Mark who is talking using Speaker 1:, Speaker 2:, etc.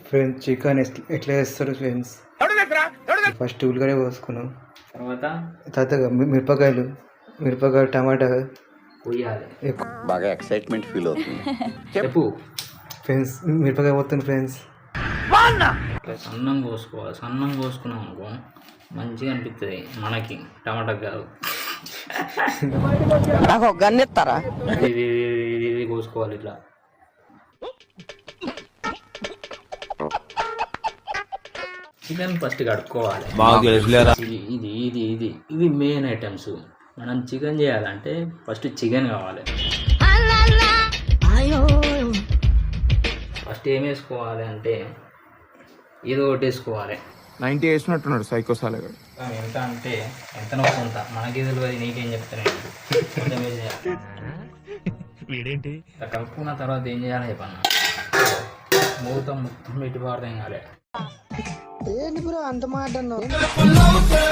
Speaker 1: Friends chicken ఎట్లా చేస్తారు friends? First ఉల్లిగడ్డ కోసుకున్నాం, తర్వాత మిరపకాయలు టమాటా
Speaker 2: పోయాలి. బాగా ఎక్సైట్మెంట్ ఫీల్ అవుతుంది.
Speaker 3: చెప్పు
Speaker 1: ఫ్రెండ్స్. మిరపకాయ పోతుంది ఫ్రెండ్స్.
Speaker 3: సన్నం కోసుకోవాలి. సన్నం కోసుకున్నాం అనుకో మంచిగా అనిపిస్తుంది మనకి, టమాటా కాదు.
Speaker 4: నాకు గన్నెత్తారా
Speaker 3: ఇది కోసుకోవాలి ఇట్లా. చికెన్ ఫస్ట్ కడుక్కోవాలి. ఇది ఇది ఇది ఇది మెయిన్ ఐటమ్స్. మనం చికెన్ చేయాలంటే ఫస్ట్ చికెన్ కావాలి. ఫస్ట్ ఏం వేసుకోవాలి అంటే ఏదో ఒకటి వేసుకోవాలి.
Speaker 5: 90 వేసినట్టున్నాడు సైకోసాలగా.
Speaker 3: ఎంత అంటే ఎంత నొప్పి ఉంటా మనకి తెలియదు, నీకేం చెప్తాను. కొంచెం వేసేయాలి. కలుపుకున్న తర్వాత ఏం చేయాలి చెప్పన్నా, మూత మొత్తం పెట్టి పారదేం కాలే.
Speaker 4: ఏంటి బ్రో అంత మాట అన్నావు?